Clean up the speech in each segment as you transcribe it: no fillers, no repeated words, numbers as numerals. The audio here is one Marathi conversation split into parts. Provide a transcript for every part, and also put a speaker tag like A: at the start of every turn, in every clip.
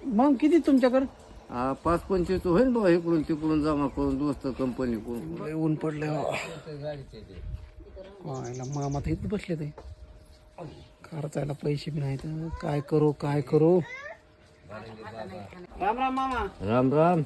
A: मग किती तुमच्याकडे?
B: 5-25 होईल बघा, इकडून तिकडून जमा करून दोस्त कंपनी करून.
A: लय ऊन पडले मामा तर इथं बसले ते खर्चायला पैसे बी नाहीत. काय करू काय करू. राम राम मामा.
B: राम राम.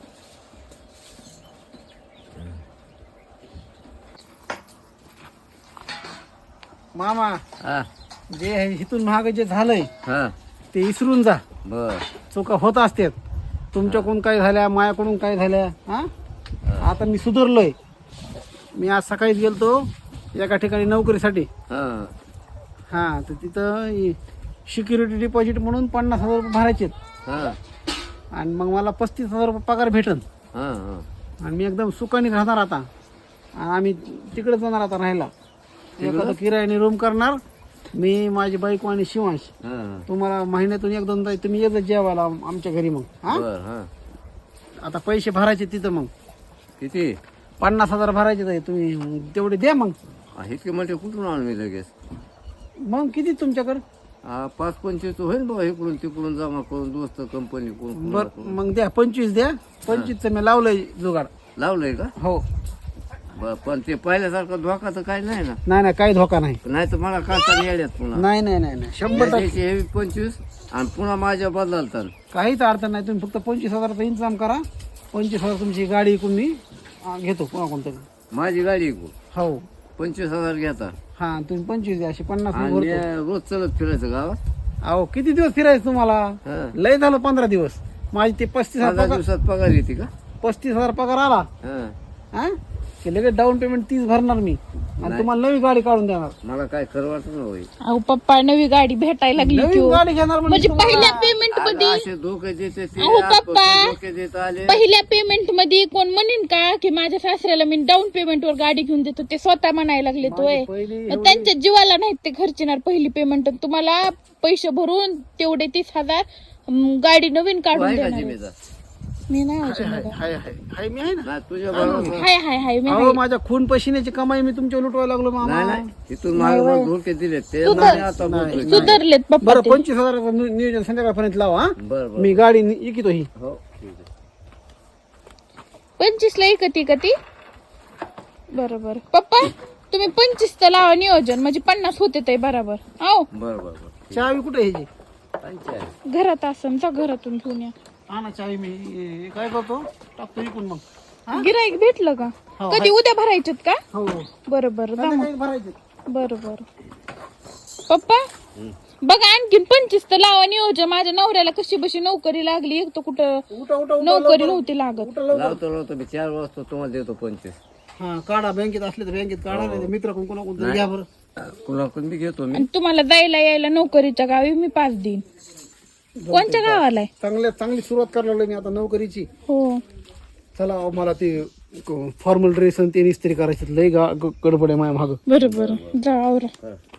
A: मामा
B: हा
A: जे इथून महाग जे झालंय
B: हा
A: ते विसरून जा.
B: बर.
A: चुका होत असतात. तुमच्याकडून काय झाल्या, मायाकडून काय झाल्या. हा आता मी सुधारलोय. मी आज सकाळीच गेलतो एका ठिकाणी नोकरीसाठी.
B: हा
A: हा तर तिथं सिक्युरिटी डिपॉझिट म्हणून 50,000 रुपये भरायचे
B: हा
A: आणि मग मला 35,000 रुपये पगार भेटन.
B: हा हा
A: आणि मी एकदम सुखाने राहणार आता. आणि आम्ही तिकडे जाणार आता राहायला. एखादं किरायाने रूम करणार मी, माझी बायको आणि शिवांश.
B: हा.
A: तुम्हाला महिन्यातून 1-2दा तुम्ही येत जेवायला आमच्या घरी. मग हा
B: बर. हा
A: आता पैसे भरायचे तिथं. मग
B: किती?
A: 50,000 भरायचे आहे. तुम्ही तेवढे द्या. मग
B: इतके मोठे कुठून आणून मी लगेच?
A: मग किती तुमच्याकडे?
B: 5-25 होईल बघा, इकडून तिकडून जमा करून दोस्त कंपनी करून.
A: बर मग द्या 25 द्या. 25चं मी लावलंय जुगाड.
B: लावलंय का?
A: हो.
B: बर, पण ते पहिल्यासारखं धोका तर काही नाही ना?
A: नाही नाही काही धोका नाही.
B: नाही तर मला काढता येड्यात पुन्हा.
A: नाही नाही नाही नाही 100%
B: हे 25 आणि पुन्हा माझ्या बदलतात.
A: काहीच अडचण नाही. तुम्ही फक्त 25,000चा इंतजाम करा. 25,000 तुमची गाडी इकून मी घेतो पुन्हा कोणतरी.
B: माझी गाडी ऐकू
A: हो.
B: 25,000 घेता
A: हा तुम्ही 25 द्या. अशी 50
B: आणि
A: भरतो.
B: रोज चलत फिरायचं गावात.
A: अहो किती दिवस फिरायचं तुम्हाला?
B: हा.
A: लय झालं 15 दिवस. माझी ते 35,000
B: 15
A: पगार,
B: दिवसात पगार येते का?
A: 35,000 पगार आला.
B: हा.
A: हा की लगेच डाऊन पेमेंट 30 भरणार मी आणि तुम्हाला नवी गाडी काढून देणार.
B: मला काय खरं वाटत ना होई.
C: अहो पप्पा नवी गाडी भेटायला लागली की
A: नवीन
C: हो.
A: गाडी घेणार
C: म्हणजे
A: तुम्हाला.
C: पहिल्या पेमेंट मध्ये
B: असे धोके देते ते,
C: अहो,
B: आजपासून
C: पप्पा.
B: धोके देत आले.
C: पहिल्या पेमेंट मध्ये कोण म्हणेन का की माझ्या सासऱ्याला मी डाऊन पेमेंट वर गाडी घेऊन देतो? ते स्वतः म्हणायला लागले तोय.
A: पहिली
C: त्यांच्या जीवाला नाहीत ते खर्चिणार पहिली पेमेंट. तुम्हाला पैसे भरून तेवढे 30,000 गाडी नवीन
B: तू
C: काढून
B: आहे का
C: देणार आहे.
B: जिम्मेदार?
C: मी नाही अजून
A: हाय
C: बघा.
A: हाय हाय हाय मी आहे ना.
B: नाही तुझ्या बरोबर.
C: हाय मी
A: अहो माझ्या खून पशिन्याची कमाई मी तुमच्या लुटवायला लागलो मामा.
B: नाही नाही तिथून मला धोके दिले ते
C: तू
B: नाही
C: तर-
B: आता बोलतोय.
C: सुधारलेत पप्पा
A: बरं
C: ते.
A: 25,000 नियोजन संध्याकाळपर्यंत लावा. हा
B: बर बर.
A: मी गाडी इकितो ही.
B: हो ठीक आहे.
C: 25 ला एकती बरोबर. पप्पा तुम्ही 25 चं लावा नियोजन म्हणजे 50 होते ते बरोबर. आओ
B: बर बर बर.
A: चावी कुठे आहे ह्याची?
B: पंचायत.
C: घरात असं जा घरातून घेऊन या.
A: हा ना चावी मी काय करतो टाकतो इकून मग. हा?
C: गिराईक भेटलं का?
A: हो,
C: कधी उद्या भरायचेत का?
A: हो
C: बरोबर
A: संध्याकाळी भरायचे.
C: बरोबर. पप्पा बघा आणखीन 25 तर लावा नियोजन. माझ्या नवऱ्याला कशी बशी नोकरी लागली. एक तर कुठं
A: उठा उठा उठा
C: नोकरी नव्हती लागत.
A: उठा लवकर.
B: लावतो मी 4 वाजता तुम्हाला देतो 25.
A: हा काढा बँकेत असले तर बँकेत काढा. नाही मित्र कोण तरी घ्या बरं.
B: कुणाकडून बी घेतो मी.
C: आणि तुम्हाला जायला यायला नोकरीच्या गावी मी 5 देईन. कोणत्या गावाला आहे?
A: चांगली सुरुवात करायला लागलो मी आता नोकरीची.
C: हो
A: चला अहो, मला ते फॉर्मल ड्रेस आणि ते इस्त्री करायचे लय गडबड आहे माझ्या मागं.
C: बरोबर. जा आवरा.